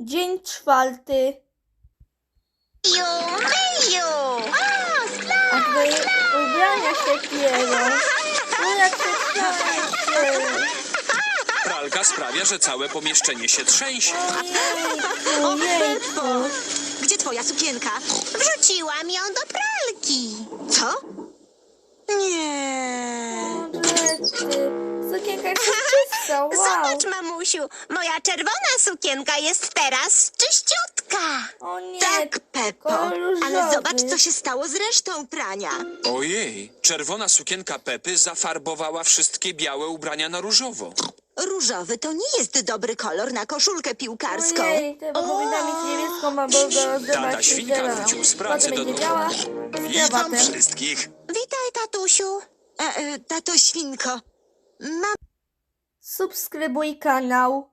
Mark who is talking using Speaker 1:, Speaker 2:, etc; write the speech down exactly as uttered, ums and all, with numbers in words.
Speaker 1: Dzień czwarty.
Speaker 2: Myju, myju! O, slime!
Speaker 1: A twoje ubrania się pierą. No jak się trzęsie.
Speaker 3: Pralka sprawia, że całe pomieszczenie się trzęsie.
Speaker 1: Ojejku, jejku.
Speaker 2: Gdzie twoja sukienka? Wrzuciłam ją do pralki. Co? Nie.
Speaker 1: Rety. Sukienka jest czysta, wow.
Speaker 2: Zobacz, mamusiu, moja czerwona sukienka jest teraz czyściutka.
Speaker 1: O nie,
Speaker 4: Tak, Peppo,
Speaker 1: kolor różowy.
Speaker 4: ale zobacz, co się stało z resztą prania.
Speaker 3: Ojej, czerwona sukienka Pepy zafarbowała wszystkie białe ubrania na różowo.
Speaker 4: Różowy to nie jest dobry kolor na koszulkę piłkarską.
Speaker 1: Ojej, to powinna mieć niebieską albo
Speaker 3: Tata
Speaker 1: rozdawać
Speaker 3: Świnka
Speaker 1: zieloną.
Speaker 3: wrócił z pracy
Speaker 1: Potem
Speaker 3: do
Speaker 1: będzie
Speaker 3: domu.
Speaker 1: biała z
Speaker 5: Witam
Speaker 1: krawatem.
Speaker 5: wszystkich.
Speaker 2: Witaj, tatusiu.
Speaker 4: E, e, tato Świnko, mam
Speaker 1: Subskrybuj kanał.